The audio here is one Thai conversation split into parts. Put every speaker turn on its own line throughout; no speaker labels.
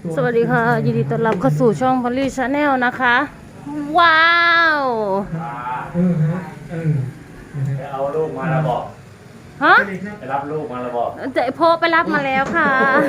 สวัสดีค่ะยินดีต้อนรับเข้าสู่ช่องพอลลี่ชาแนลนะคะ ว้าว
ไปเอาลูกมาแล้วบอก
ฮะ
ไปรับลูกมาแล้วบอก
เจ๊โพไปรับมาแล้วค่ะ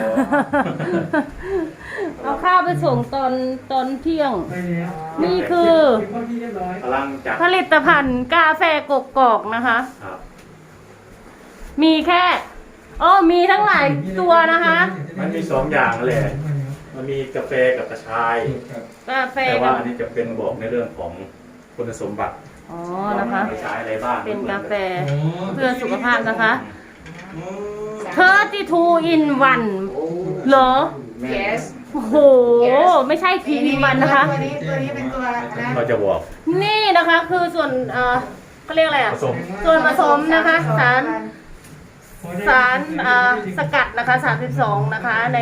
เอาข้าวไปส่งตอนเที่ยง นี่คือ
พลังจาก
ผลิตภัณฑ์กาแฟกกอกนะคะ
ครับ
มีแค่มีทั้งหลายตัวนะคะ
มันมี2 อย่างเลยมันมีกาแฟกับกระชาย
กาแฟ
แต่
กั
ว่า
บ
อันนี้จะเป็นบอกในเรื่องของคุณสมบัติ
นะคะ
ไปใช้อะไรบ้าง
เป็นกาแฟเพื่อสุขภาพนะคะ32 in 1เหรอ
Yes
โอ้โห ไม่ใช่ทีวีวันนะคะ
ตัวนี้เป็นตัวนะ
เราจะบอก
นี่นะคะคือส่วนเขาเรียกอะไร
ผ
อ่ะ
สม
ส่วนผสมนะคะสารสกัดนะคะ32นะคะใน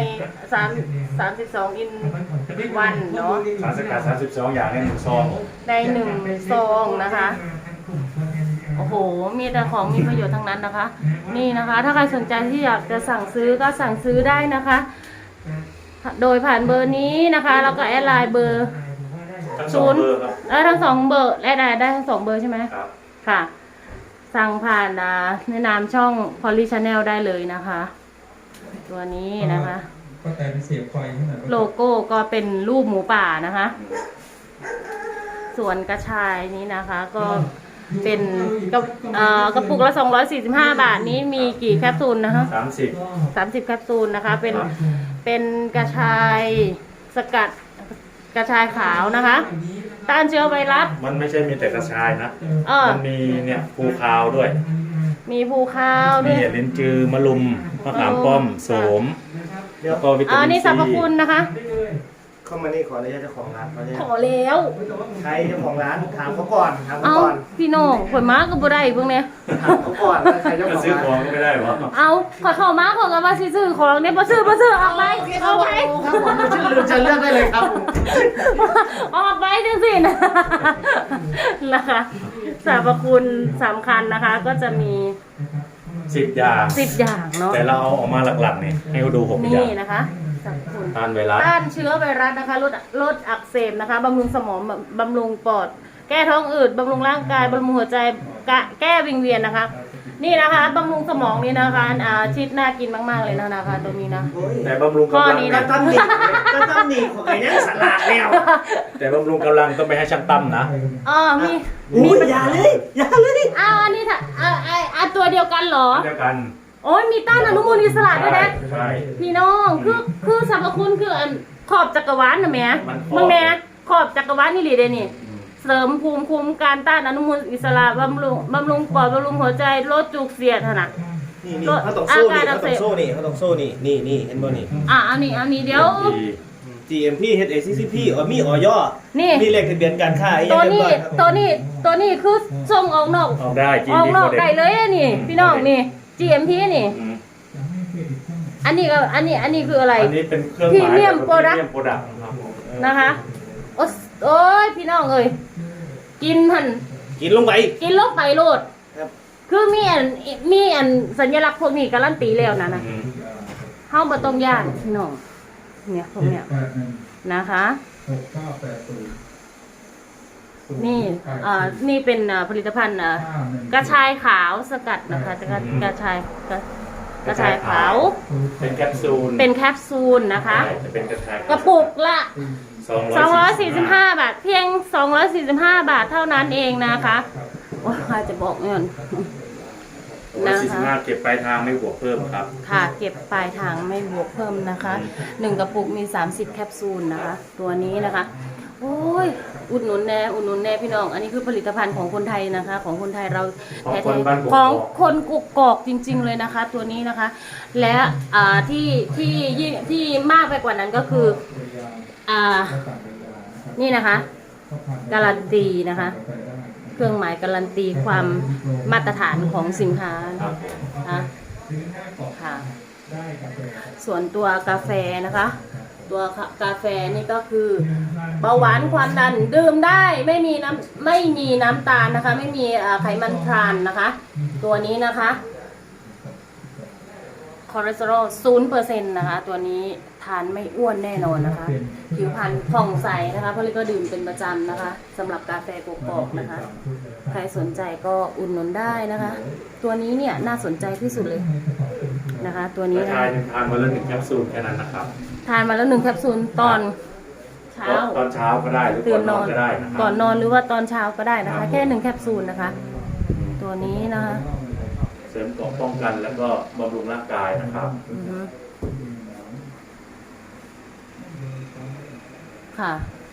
32 in 1เนาะ
สารสกัด32 อย่างใน1 ซอง
ใน1ซองนะคะโอ้โหมีแต่ของมีประโยชน์ทั้งนั้นนะคะ นี่นะคะ ถ้าใครสนใจที่อยากจะสั่งซื้อก็สั่งซื้อได้นะคะ โดยผ่านเบอร์นี้นะคะแล้วก็แอดไลน์เบอร์
ทั้ง2 เบอร์ครับ
ทั้ง2เบอร์และได้ทั้ง2เบอร์ใช่ไหม
ครับ
ค่ะ สั่งผ่านในนามช่อง Polly Channel ได้เลยนะคะ ตัวนี้นะคะ
ก็แต่เป็นเสียบไฟขนาด
โลโก้ก็เป็นรูปหมูป่านะคะ ส่วนกระชายนี้นะคะก็เป็นกระปุกละ245 บาทนี้มีกี่แคปซูลนะคะ30แคปซูลนะคะเป็นกระชายสกัดกระชายขาวนะคะต้านเชื้อไวรัส
มันไม่ใช่มีแต่กระชายนะ มันมีเนี่ยภูคาวด้วย
มีภูข้าวด้
มี
วย
ลิ้นจือมะลุมมะขามป้อมโสมแล้วก็วิตามินซี
นี่สรรพคุณนะคะ
เข้ามานี่ขออนุญาตเจ้าของร้านเขาเนี่ย
ขอแล้ว
ใครเจ้าของร้านถามเขาก่อนถามเขา
เอา
ก่อน
พี่น้องข่อยม้าก็บ่ได้เพิ่งเนี่ย
ถามเขาก่อนว่าใครเจ้า
ก็
ของ
ซื้อขอ
ร้าง น
ก็ไม่ได้หรอ
เอาขอเข้ามาขอกันว่าสิซื้อของเนี่ยบ่ซื้อออกไปออกไป
ครับผมจะเลือกได้เลยครับผม
ออกไปจังสินะนะคะสรรพคุณสำคัญนะคะ ก็จะมี
10 อย่าง
10อย่างเนาะ
แต่เราเอาออกมาหลักๆนี่ให้เขาดู6 อ
นี่
ย่าง
นะคะสรรพคุณ
ต้านไวรัส
ต้านเชื้อไวรัสนะคะลดอักเสบนะคะบำรุงสมองบำรุงปอด แก้ท้องอืดบำรุงร่างกายบำรุงหัวใจแก้วิงเวียนนะคะ นี่นะคะบำรุงสมองนี่นะคะชิดน่ากินมากๆเลยนะคะตัวนี้นะ
แต่บำรุง
ข้อก
ำลัง
นี้
ก็
นะ
ต้องหนีก็ต้องหนีของไอ้เนี่ยสลัดแล้ว
แต่บำรุงกำลังต้องไปให้ช่างตั้มนะ
มี
มีอย่าเลยอย่าเลย
อันนี้ค่ะตัวเดียวกันเหรอ
เดียวกัน
โอ้ยมีต้านอนุมูลอิสระด้วยนะ
ใช่
พี่น้องคือสรรพคุณคือขอบจักรวาลนะแม่
มันขอบ
มึงแม่ขอบจักรวาลนี่หลีเดนี่เสริมภูมิคุ้มกันต้านอนุมูลอิสระบำรุงปอดบำรุงหัวใจลดจุกเสียดนะ
นี่เขาต้องสู้นี่เขาต้องสู้นี่เขาต้องสู้นี่เห็นบ่นี่
อันนี้เดี๋ยว
ดี
GMP HACCP มีออย
นี่
มีเลขทะเบียนการค้าไอ้
ตัว
ยังเรียบ
นี้
ร้อยครับ
ตัวนี้คือส่งออกนอก
เอาได้กิน
ออก
ดี
นอก
โคเด็
ได้เลยอะนี่ พี่น้องนี่ GMP นี่
อืม
อันนี้คืออะไร
อันนี้เป็นเครื่องห
พรี
มาย
เมียม
แบบ
โปรดักต์
พรีเมียมโปรดักต์ครับ
นะคะโอ้ยพี่น้องเอ้ยกินหัน
กินลงไป
กินลงไปโลด
ครับ
คือมีอันสัญลักษณ์พวกนี้การันตีแล้วนะ
อืม
เฮาบ่ต้องย่านพี่น้องเนี่ยพวกเนี้ยนะคะ นี่นี่เป็นผลิตภัณฑ์กระชายขาวสกัดนะคะกระชายขาว
เป็นแคปซูล
เป็นแคปซูลนะคะ
ใช่จะเป็นกระชาย
กระปุกละ
245
บาทเพียง245 บาทเท่านั้นเองนะคะว่าใครจะบอกเงิน
245เก็บปลายทางไม่บวกเพิ่มครับ
ค่ะเก็บปลายทางไม่บวกเพิ่มนะคะ1กระปุกมี30แคปซูลนะคะตัวนี้นะคะโอ้ยอุดหนุนแน่พี่น้องอันนี้คือผลิตภัณฑ์ของคนไทยนะคะ ของคนไทยเรา
ของ
แท้
คนบ้านกกอก
ๆของคนกกอกจริง ๆเลยนะคะ ตัวนี้นะคะ และที่มากไปกว่านั้นก็คือนี่นะคะการันตีนะคะ เครื่องหมายการันตีความมาตรฐานของสินค้า
ครับ
นะค่ะส่วนตัวกาแฟนะคะ ตัวกาแฟนี่ก็คือเบาหวานความดันดื่มได้ไม่มีน้ำตาลนะคะ ไม่มีไขมันทรานนะคะ ตัวนี้นะคะคอเลสเตอรอล0%นะคะตัวนี้ทานไม่อ้วนแน่นอนนะคะ ผิวพรรณผ่องใสนะคะเพราะเลยก็ดื่มเป็นประจำนะคะสำหรับกาแฟกกอกนะคะ ใครสนใจก็อุดหนุนได้นะคะ ตัวนี้เนี่ยน่าสนใจที่สุดเลยนะคะ ตัวนี้
กระ
นะ
ชายทานวันละ1 แคปซูลแค่นั้นนะครับ
ทานมาแล้ว1 แคปซูลตอนเช้า
ตอนเช้าก็ได้หรือ
ตื่
ก่อน น
น
น
อ
อน นก็ได้นะครั
ก่อนนอนหรือว่าตอนเช้าก็ได้นะคะ แค่1 แคปซูลนะคะ ตัวนี้นะคะ
เสริมเกราะป้องกันแล้วก็บำรุงร่างกายนะครับ
อือฮึค่ะ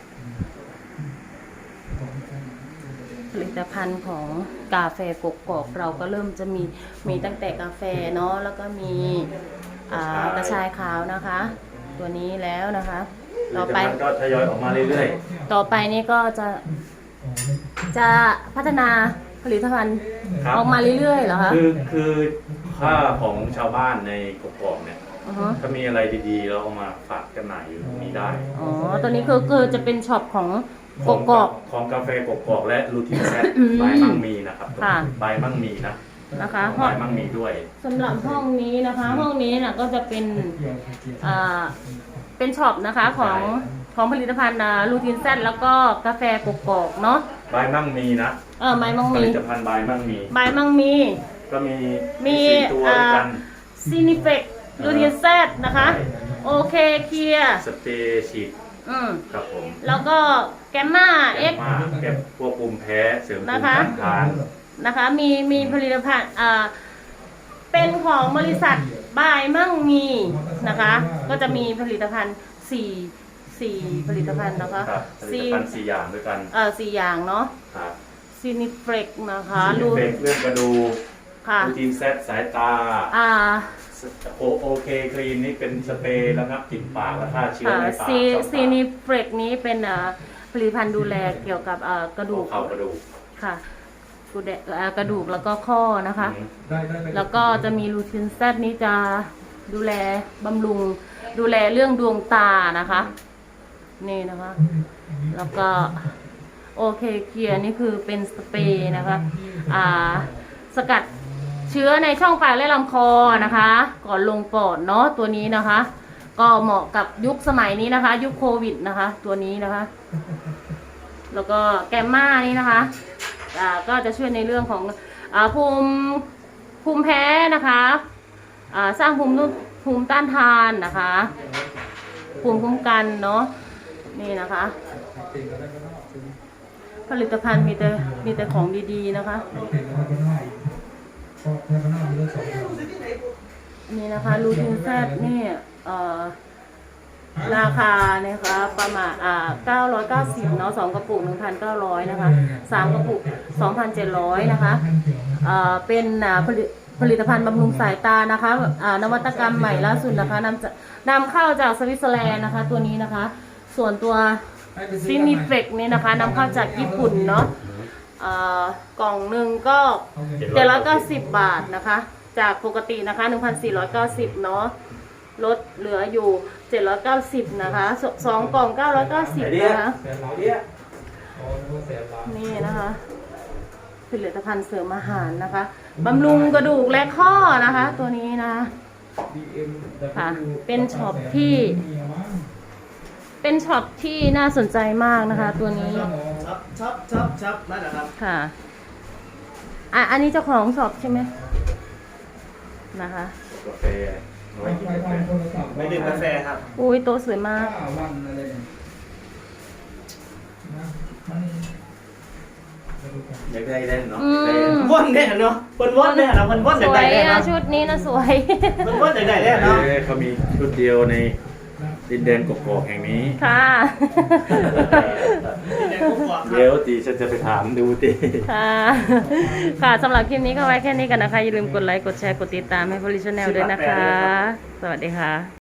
ผลิตภัณฑ์ของกาแฟกกอกเราก็เริ่มจะมีตั้งแต่กาแฟเนาะแล้วก็มีกระชายขาวนะคะ ตัวนี้แล้วนะคะ ต่อไป
มันก็ทยอยออกมาเรื่อย
ต่อไปนี่ก็จะพัฒนาผลิตภัณฑ์
ๆครับ
ออกมาเรื่อยๆเหรอคะ
คือค่าของชาวบ้านในกกอกเนี่ย
อือฮึ
ถ้ามีอะไรดีๆเราเอามาฝากจำหน่ายอยู่ตรงนี้ได้
อ๋อตัวนี้คือจะเป็นช็อปของกกอก
ของกาแฟกกอกและลูทินแซด
อืม
บายมั่งมีนะครับ
ค่ะ
บายมั่งมีนะ
นะคะห้อง
บายมั่งมีด้วย
สำหรับห้องนี้นะคะ ห้องนี้น่ะก็จะเป็นเป็นช็อปนะคะของผลิตภัณฑ์ลูทินแซดแล้วก็กาแฟกกอกเนาะ
บายมั่งมีนะ
ไม้มัง
ผ
มี
ลิตภัณฑ์บายมั่งมี
ใบมังมี
ก็มี
มี
4 ตัวด้วยกัน
ซีนิเฟกลูทินแซดนะคะ โอเคเคลียร์
สเปรย์ฉีดครับผม
แล้วก็แกมมาเอ็ก
มาเก็บพวกภูมิแพ้เสริมภูมิ
นะคะ
ต้านทาน
นะคะมีผลิตภัณฑ์เป็นของบริษัทบายมั่งมีนะคะ ก็จะมีผลิตภัณฑ์4ผลิตภัณฑ์นะคะ
ครับผลิตภัณฑ์4 อย่างด้วยกัน
4อย่างเนาะ
ครับ
ซีนิเฟกนะคะ
ลูเฟกเรื่องกระดูก
ค่ะ
ลูทีนแซดสายตา โอเคครีมนี่เป็นสเปรย์ระงับกลิ่นปากและฆ่าเชื้อ
ค่ะ
ในปาก
ซีนิเฟกนี้เป็นผลิตภัณฑ์ดูแลเกี่ยวกับกระดูก
เข่ากระดูก
ค่ะกระดูกแล้วก็ข้อนะคะ แล้วก็จะมีลูทินแซดนี้จะดูแลบำรุงดูแลเรื่องดวงตานะคะนี่นะคะ แล้วก็โอเคเกียร์นี่คือเป็นสเปรย์นะคะสกัดเชื้อในช่องปากและลำคอนะคะ ก่อนลงปอดเนาะตัวนี้นะคะ ก็เหมาะกับยุคสมัยนี้นะคะ ยุคโควิดนะคะ ตัวนี้นะคะ แล้วก็แกมมานี่นะคะก็จะช่วยในเรื่องของภูมิแพ้นะคะสร้างภูมิต้านทานนะคะ ภูมิคุ้มกันเนาะนี่นะคะ ผลิตภัณฑ์มีแต่ของดีๆนะคะ นี่นะคะลูทินแซดนี่ราคานะคะประมาณ990เนาะ2 กระปุก 1,900 นะคะ3 กระปุก 2,700 นะคะเป็นผลิตภัณฑ์บำรุงสายตานะคะนวัตกรรมใหม่ล่าสุดนะคะนำเข้าจากสวิตเซอร์แลนด์นะคะ ตัวนี้นะคะ ส่วนตัวซินิเฟกนี่นะคะนำเข้าจากญี่ปุ่นเนาะกล่องหนึ่งก็790 บาทนะคะ จากปกตินะคะ 1,490 เนาะลดเหลืออยู่790นะคะ2 กล่อง 990 นะคะ นี่นะคะ ผลิตภัณฑ์เสริมอาหารนะคะบำรุงกระดูกและข้อนะคะ ตัวนี้นะค่ะ เป็นช็อปที่น่าสนใจมากนะคะ ตัวนี้
ชับนั่นแหละครับ
ค่ะอันนี้เจ้าของช็อปใช่ไหมนะคะ
กาแฟเอาไว้กินกาแฟ
ไม่ดื่มกาแฟครับ
อุ้ยโต๊ะสวยมาก
อยากได้เล่นเนาะ
อืม
ว่นเนี่ยเนาะว่นเนี่ยนะว่น
ส
จาก
ว
ไหน
ย
เนี่ย
อะ
เนาะ
ชุดนี้นะสวย
ว่นจากไหนเนี่ยเนาะ
เขามีชุดเดียวในดินแดนกกอกแห่งนี้
ค่ะ
เดี๋ยวตีฉันจะไปถามดูตี
ค่ะค่ะสำหรับคลิปนี้ก็ไว้แค่นี้กันนะคะ อย่าลืมกดไลค์ กดแชร์ กดติดตามให้ Police Channel ด้วยนะคะ สวัสดีค่ะ